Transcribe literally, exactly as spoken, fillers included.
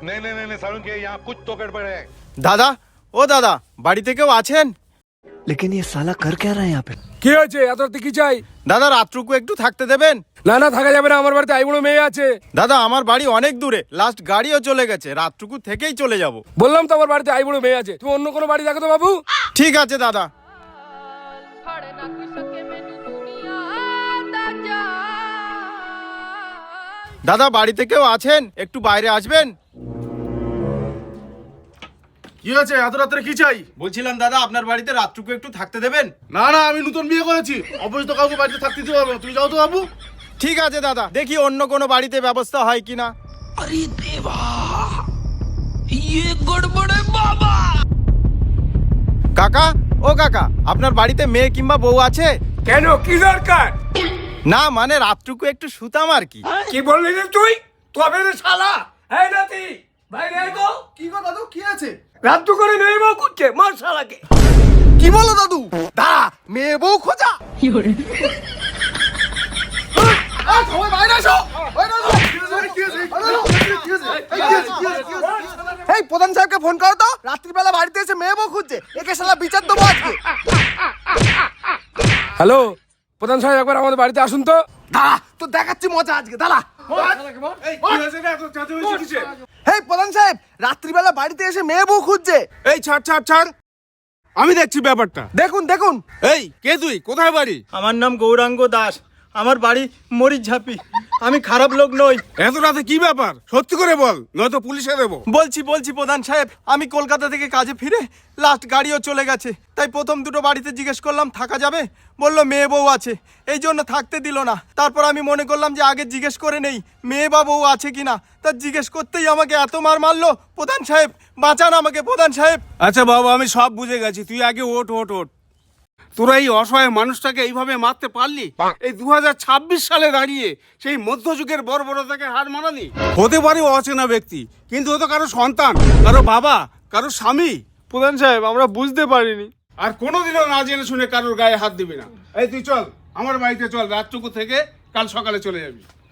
नहीं नहीं नहीं सारुण के यहाँ कुछ तो गड़बड़ है। দাদা ও দাদা বাড়িতে কেউ আছেন? लेकिन ये साला कर क्या रहा है यहाँ पे? কি হয়েছে? এত রাতে কি চাই? দাদা রাতটুকু একটু থাকতে দেবেন? না না, থাকা যাবে না, আমার বাড়িতে আই বুড়ো মেয়ে আছে। দাদা আমার বাড়ি অনেক দূরে, লাস্ট গাড়িও চলে গেছে, রাতটুকু থেকেই চলে যাব। বললাম তো আমার বাড়িতে আই বুড়ো মেয়ে আছে, তুমি অন্য কোনো বাড়ি দেখো তো বাবু। ঠিক আছে দাদা। দাদা বাড়িতে কেউ আছেন? একটু বাইরে আসবেন। কি হয়েছে? এত রাত্রে কি চাই? বলছিলাম দাদা আপনার বাড়িতে রাতটুকু একটু থাকতে দেবেন? না না, আমি নতুন বিয়ে করেছি, অবশ্যই তো কাউকে বাড়িতে থাকতে দিতে পারবো না। তুমি যাও তো বাবু। ঠিক আছে দাদা, দেখি অন্য কোনো বাড়িতে ব্যবস্থা হয় কিনা। अरे देवा, ये गड़बड़ है बाबा। কাকা ও কাকা, আপনার বাড়িতে মেয়ে কিংবা বউ আছে? কেন, কি দরকার? না মানে রাতটুকু একটু শুতাম আর কি। কি বললি রে তুই? তবে রে শালা, এই নাতি বাইরে আয় তো। কি গো দাদু, কি আছে? রাত করে মেয়ে বউ করছে, মার শালাকে। কি বলো দাদু? দাঁড়া, মেয়ে বউ খোঁজা। সবাই বাইরে আসো। এই প্রধান সাহেবকে ফোন করো তো, রাত্রিবেলা বাড়িতে এসে মেয়ে বউ খুঁজছে, একে শালা বিচার দেবো আজকে। হ্যালো প্রধান সাহেব, একবার আমাদের বাড়িতে আসুন তো। দাঁড়া, তো দেখাচ্ছি মজা আজকে, দাঁড়া। এই প্রধান সাহেব রাত্রিবেলা বাড়িতে এসে মেয়ে বউ খুঁজছে। এই ছাড় ছাড় ছাড়, আমি দেখছি ব্যাপারটা। দেখুন দেখুন। এই কে তুই? কোথায় বাড়ি? আমার নাম গৌরাঙ্গ দাস, আমার বাড়ি মরিচঝাপি, আমি খারাপ লোক নই। এত রাতে কি ব্যাপার? সত্যি করে বল, নয়তো পুলিশে দেবো। বলছি বলছি প্রধান সাহেব, আমি কলকাতা থেকে কাজে ফিরে লাস্ট গাড়িও চলে গেছে, তাই প্রথম দুটো বাড়িতে জিজ্ঞেস করলাম থাকা যাবে, বললো মেয়ে বউ আছে, এই জন্য থাকতে দিল না। তারপর আমি মনে করলাম যে আগে জিজ্ঞেস করে নেই মেয়ে বা বউ আছে কিনা, তা জিজ্ঞেস করতেই আমাকে এত মার মারলো। প্রধান সাহেব বাঁচান আমাকে প্রধান সাহেব। আচ্ছা বাবা, আমি সব বুঝে গেছি, তুই আগে ওঠ ওঠ ওঠ। তোরা এই অসহায় মানুষটাকে এইভাবে মারতে পারলি? এই দু হাজার ছাব্বিশ সালে দাঁড়িয়ে সেই মধ্যযুগের বর্বরতাকে হার মানানি? হতে পারে অচেনা ব্যক্তি, কিন্তু ও তো কারো সন্তান, কারো বাবা, কারো স্বামী। প্রধান সাহেব আমরা বুঝতে পারিনি। আর কোনোদিনও না জেনে শুনে কারোর গায়ে হাত দিবি না। এই তুই চল আমার বাড়িতে চল, রাতটুকু থেকে কাল সকালে চলে যাবি।